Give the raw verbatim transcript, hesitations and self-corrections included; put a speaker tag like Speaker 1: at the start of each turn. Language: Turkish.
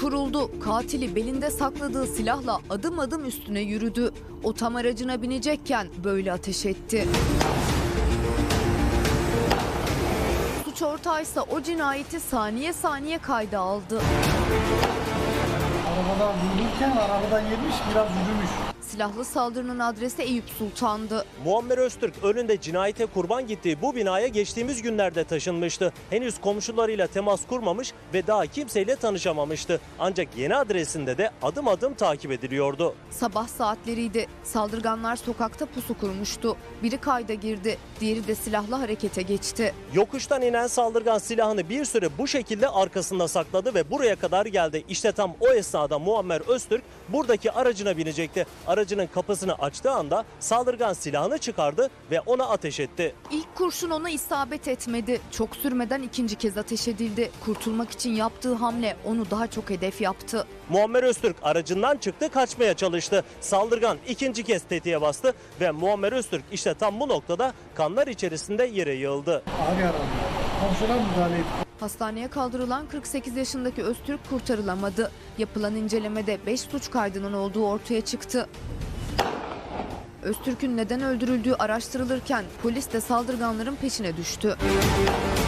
Speaker 1: kuruldu. Katili belinde sakladığı silahla adım adım üstüne yürüdü. O tam aracına binecekken böyle ateş etti. Suç ortağıysa o cinayeti saniye saniye kayda aldı.
Speaker 2: Arabadan vurulurken arabadan yemiş, biraz yürümüş.
Speaker 1: Silahlı saldırının adresi Eyüp Sultan'dı.
Speaker 3: Muammer Öztürk önünde cinayete kurban gittiği bu binaya geçtiğimiz günlerde taşınmıştı. Henüz komşularıyla temas kurmamış ve daha kimseyle tanışamamıştı. Ancak yeni adresinde de adım adım takip ediliyordu.
Speaker 1: Sabah saatleriydi. Saldırganlar sokakta pusu kurmuştu. Biri kayda girdi, diğeri de silahlı harekete geçti.
Speaker 3: Yokuştan inen saldırgan silahını bir süre bu şekilde arkasında sakladı ve buraya kadar geldi. İşte tam o esnada Muammer Öztürk buradaki aracına binecekti. Aracının kapısını açtığı anda saldırgan silahını çıkardı ve ona ateş etti.
Speaker 1: İlk kurşun ona isabet etmedi. Çok sürmeden ikinci kez ateş edildi. Kurtulmak için yaptığı hamle onu daha çok hedef yaptı.
Speaker 3: Muammer Öztürk aracından çıktı, kaçmaya çalıştı. Saldırgan ikinci kez tetiğe bastı ve Muammer Öztürk işte tam bu noktada kanlar içerisinde yere yığıldı.
Speaker 2: Ağır yaralı. Komşular müdahale etti.
Speaker 1: Hastaneye kaldırılan kırk sekiz yaşındaki Öztürk kurtarılamadı. Yapılan incelemede beş suç kaydının olduğu ortaya çıktı. Öztürk'ün neden öldürüldüğü araştırılırken polis de saldırganların peşine düştü.